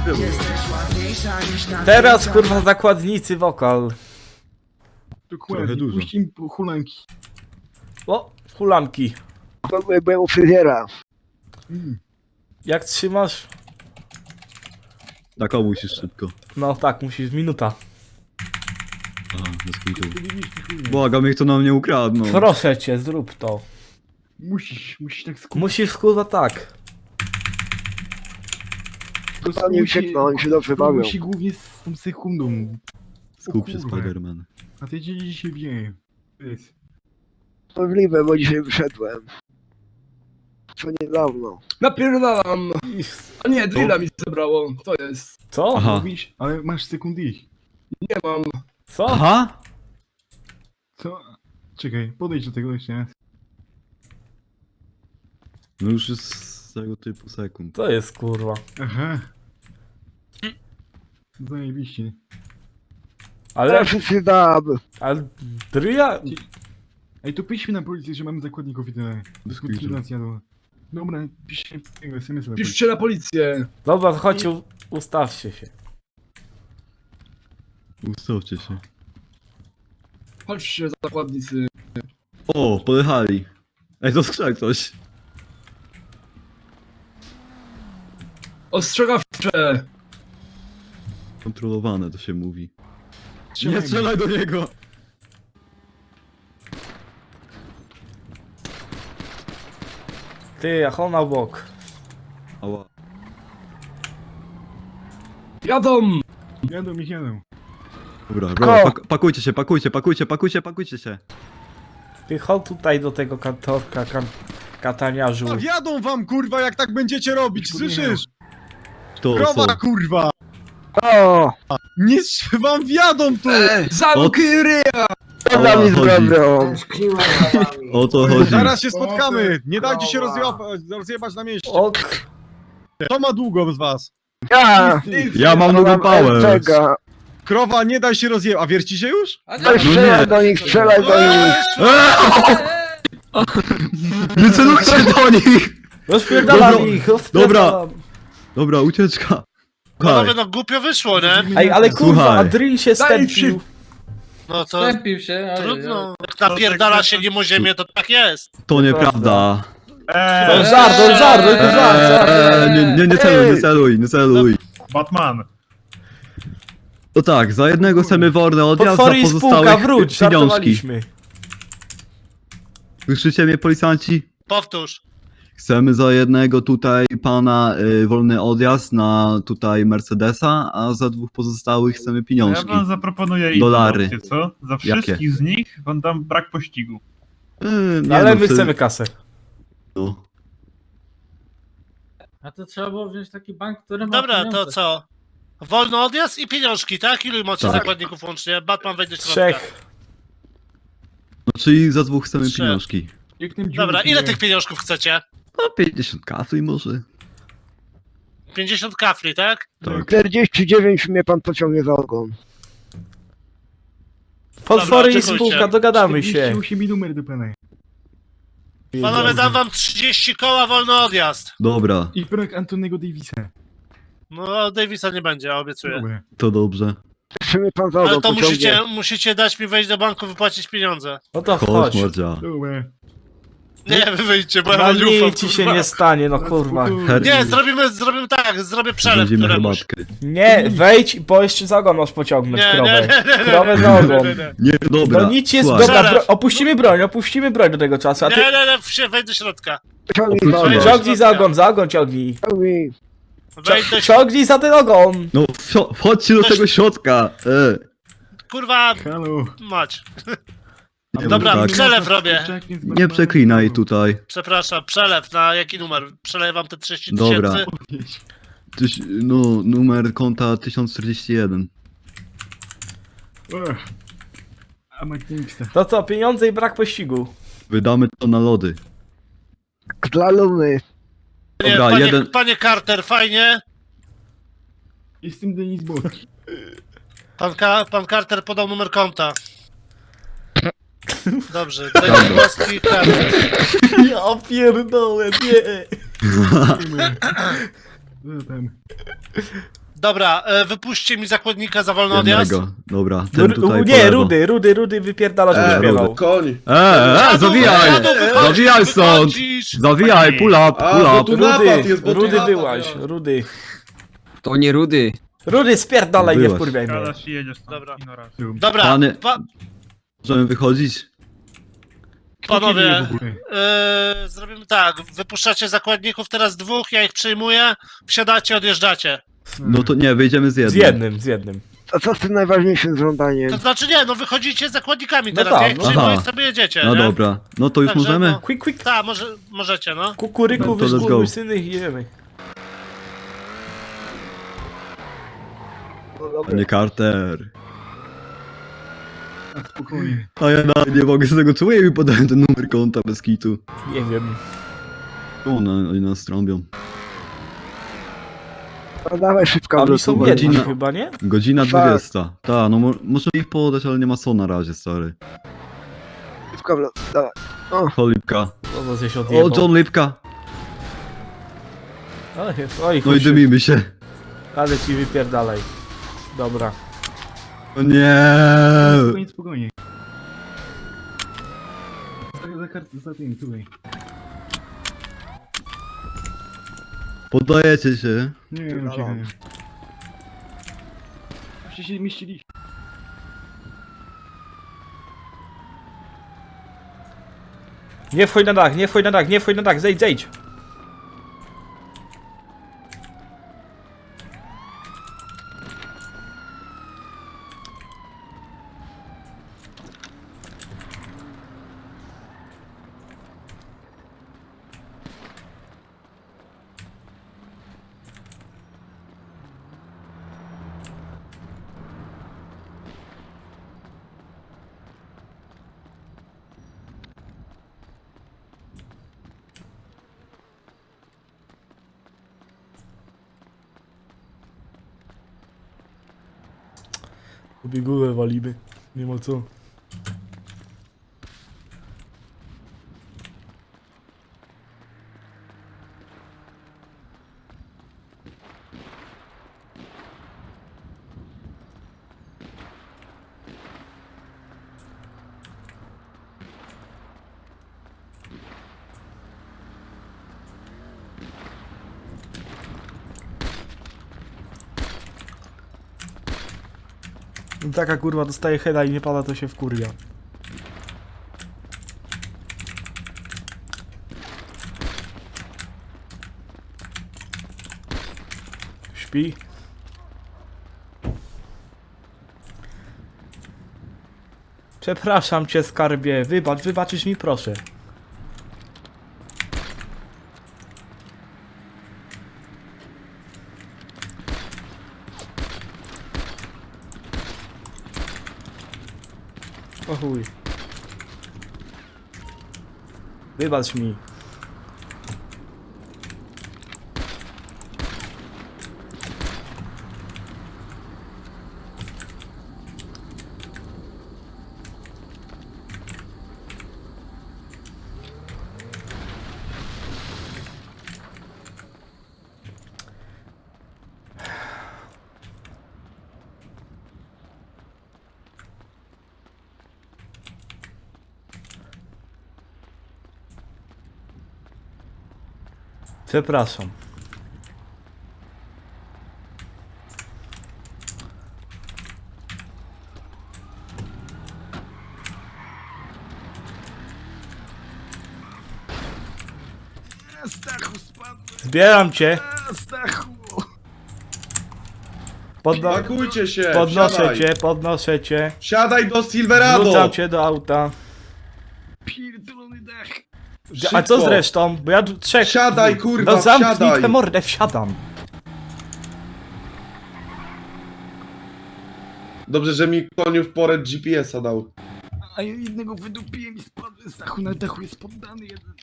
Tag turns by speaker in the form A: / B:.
A: Teraz kurwa zakładnicy wokal.
B: Dokładnie,
C: dużo.
B: puść im hulanki.
A: O, hulanki.
D: Byłem u fryzjera.
A: Jak trzymasz?
C: Tak, o, musisz szybko.
A: No tak, musisz, minuta.
C: Aha, bez kitu. Błagam, niech to nam nie ukradną.
A: Proszę cię, zrób to.
B: Musisz tak skupić.
A: Musisz kurwa tak.
D: To nie uciekną, oni się dobrze bawią.
B: Musi głównie z tą sekundą.
C: Skup się,
B: kurwa.
C: Spiderman.
B: A ty dzisiaj wie. Jest.
D: Możliwe, bo dzisiaj wyszedłem. Co niedawno.
E: Napierdalam! A nie, drilla mi zabrało, to jest.
A: Co?
C: Aha.
B: Mówisz, ale masz sekund ich.
E: Nie mam.
A: Co?
C: Aha!
B: Co? Czekaj, podejdź do tego jeszcze raz.
C: No już jest z tego typu sekund.
A: To jest kurwa.
B: Aha. Zajebiście.
A: Ale,
D: Ale wszyscy dab.
A: ale dryja?
B: Ej, to piszmy na policję, że mamy zakładników i tyle.
C: Bez
B: Dyskutywacja jadła. Dobra, piszcie tego SMS-a.
E: Piszcie na policję.
A: Dobra, chodź, ustawcie się.
C: Ustawcie się.
E: Chodźcie, zakładnicy.
C: O, pojechali. Ej, to skrzek ktoś.
E: Ostrzegawcze!
C: Kontrolowane to się mówi.
B: Strzelaj
C: Nie
B: go.
C: strzelaj do niego!
A: Ty, a on na bok.
C: Ała.
E: Jadą!
B: Jadą ich jadą.
C: Dobra, dobra, pakujcie się, pakujcie się.
A: Ty chodź tutaj do tego kantorka, kataniarzu.
F: A wjadą wam kurwa jak tak będziecie robić, słyszysz?
C: To
F: Krowa
C: co?
F: kurwa!
D: O!
F: Nic wam wjadą tu!
E: Zamknij ryja!
D: Co za mi
C: chodzi.
D: zrobią?
C: O to chodzi.
F: Zaraz się spotkamy! Nie dajcie się rozjebać na mieście!
A: Ok.
F: Kto ma długo z was?
D: Ja!
C: Ja mam długą pałę.
D: Czeka.
F: Krowa, nie daj się rozjebać. A wierci się już?
D: Strzelaj do nich, strzelaj do nich.
C: Nie celujcie do nich!
A: Rozpierdalam
C: Dobra,
A: ich, rozpierdalam.
C: Dobra, ucieczka.
G: Panowie, no głupio wyszło, nie?
A: Ej, ale kurwa,
C: Słuchaj.
A: a drill się stępił.
G: No to
H: Stępił się, ale...
G: trudno. Jak napierdala się nim o ziemię, to tak jest.
C: To nieprawda.
A: To jest żart, to jest żart, to jest żart.
C: Nie celuj.
B: Batman.
C: To tak, za jednego chcemy wolny odjazd, za
A: Potwory i spółka,
C: pozostałych
A: wróć,
C: pieniążki.
A: żartowaliśmy.
C: Słyszycie mnie, policjanci?
G: Powtórz.
C: Chcemy za jednego tutaj pana wolny odjazd na tutaj Mercedesa, a za dwóch pozostałych chcemy
I: Ja
C: pieniążki.
I: wam zaproponuję inną
C: Dolary.
I: opcję, co? Za wszystkich z nich wam dam brak pościgu.
C: Nie,
A: Ale
C: no,
A: my
C: wtedy-
A: chcemy kasę.
C: No.
H: A to trzeba było wziąć taki bank, który ma
G: Dobra, to
H: pieniądze.
G: co? Wolny odjazd i pieniążki, tak? Ilu macie
C: Tak.
G: zakładników łącznie? Batman wejdzie do środka.
A: Trzech.
C: No, czyli za dwóch chcemy
G: Trzy.
C: pieniążki.
B: Jak ten
G: Dobra,
B: dziurek
G: ile
B: nie-
G: tych pieniążków chcecie?
C: No 50 kafli może.
G: 50 kafli, tak?
C: Tak.
D: 49 mnie pan pociągnie za ogon.
A: Potwory i
G: oczekujcie.
A: spółka, dogadamy się.
B: 48 i numer do pana.
G: Panowie, dam wam 30 koła wolny odjazd.
C: Dobra,
B: I brak Antonego Davisa.
G: No, Davisa nie będzie, obiecuję.
B: Dobra.
C: to dobrze.
D: Czy mnie pan za
G: Ale
D: ogon
G: to
D: pociągnie?
G: musicie dać mi wejść do banku, wypłacić pieniądze.
A: No to
C: Chodź,
A: chodź.
C: mordzia.
B: Dobra.
G: Nie, wy wyjdźcie, bo ja
A: No
G: wam nie
A: nic
G: ufam,
A: ci się
G: kurwa.
A: nie stanie, no kurwa.
B: Spokojnie.
G: Nie, zrobimy tak, zrobię przelew
C: Będziemy
G: któremuś.
C: herbatkę.
A: Nie, wejdź, bo jeszcze za ogon masz pociągnąć
G: Nie,
A: krowę.
G: nie.
A: Krowę za ogon.
C: Nie, dobra.
A: No nic jest,
C: słuchaj.
A: dobra,
G: Przelew.
A: opuścimy broń do tego czasu, a ty
G: Wejdź do środka.
D: Ciągnij za
C: Oprócz
D: ogon.
C: mnie.
A: ciągnij za ogon, ciągnij.
D: Ciągnij.
G: Wejdź do
A: Ciągnij za ten ogon.
C: No, wchodźcie do tego środka.
G: Kurwa,
B: Halo.
G: mać.
C: Nie,
G: Dobra,
C: tak.
G: przelew robię.
C: Nie przeklinaj tutaj.
G: Przepraszam, przelew na jaki numer? Przeleję wam te 30
C: Dobra.
G: tysięcy.
C: No, numer konta 1041.
B: A McNixta.
A: To co, pieniądze i brak pościgu.
C: Wydamy to na lody.
D: Dla Luny.
G: Nie,
C: Dobra, jeden-
G: panie Carter, fajnie.
B: Jestem Denis Boski.
G: Pan Carter podał numer konta. Dobrze, Denis Boski, Carter.
A: Ja pierdolę, nie.
B: Co tam?
G: Dobra, wypuśćcie mi zakładnika za wolny odjazd.
C: Jednego. Dobra, ten tutaj po
A: Nie,
C: lewo.
A: Rudy wypierdala, żeby śpiewał.
E: Koń.
C: Zawijaj! Zawijaj stąd!
G: Wychodzisz.
C: Zawijaj, pull up,
E: A,
C: pull
E: bo
C: up.
E: tu napad jest, bo tu
A: Rudy
E: napad,
A: byłaś,
E: ja.
A: Rudy.
D: To nie Rudy.
A: Rudy, spierdalaj, nie
C: Byłaś.
A: wkurwiaj mnie.
I: Gadasz i jedziesz tam.
G: Dobra.
I: Ignoracja.
G: Dobra,
C: Pany- Możemy wychodzić?
G: panowie,
B: w ogóle?
G: zrobimy tak, wypuszczacie zakładników, teraz 2, ja ich przyjmuję, wsiadacie, odjeżdżacie.
C: No to nie, wyjdziemy z jednym.
A: Z jednym.
D: A co z tym najważniejszym żądaniem?
G: To znaczy nie, no wychodzicie z zakładnikami
A: No
G: teraz,
A: tak,
G: ja ich
A: no
G: przyjmuję
C: tak.
G: i sobie jedziecie,
C: No
G: nie?
C: dobra, no to już
G: Także
C: możemy?
G: no.
A: Quick.
G: Tak, możecie, no.
A: Kukuryku,
C: No to let's
A: wyszkurwy
C: go.
A: syny i jemy.
C: Panie Carter.
B: Spokojnie.
C: A ja nawet nie mogę z tego czuję mi podają ten numer konta bez kitu.
A: Nie wiem.
C: Oni nas trąbią.
D: No dawaj szybko.
A: Oni są
C: godzina.
A: jedni chyba, nie?
C: Godzina
D: Tak.
C: 20. Ta, no możemy ich podać, ale nie ma co na razie, stary.
D: Szybko, dawaj.
C: Ho, Lipka.
A: O, to się
C: O,
A: odjebał.
C: John Lipka.
A: Oj,
C: No i
A: chuj się.
C: dymimy się.
A: Ale ci wypierdalaj. Dobra.
C: O nie.
B: Spokojnie. Za tym, tutaj.
C: Poddajecie się.
B: Nie, uciekaj. Już się mieściliśmy.
A: Nie wchodź na dach, zejdź. Obiegówę walimy. Nie ma co. No taka kurwa dostaje heada i nie pada, to się wkurwia. Śpi. Przepraszam cię, skarbie. Wybaczysz mi, proszę. O chuj. Wybacz mi. Przepraszam.
B: Stachu, spadł.
A: Zbieram cię.
B: Stachu.
E: Pakujcie się,
A: Podnoszę cię.
E: Wsiadaj do Silverado.
A: Wrzucam cię do auta.
B: Pierdolony dach.
A: A co z resztą? Bo ja tu trzech...
E: Wsiadaj, kurwa,
A: No zamknij
E: wsiadaj.
A: tę mordę, wsiadam.
E: Dobrze, że mi koniu w porę GPS-a dał.
B: A ja jednego wydupiłem i spadłem. Stachu na dachu jest poddany jeden.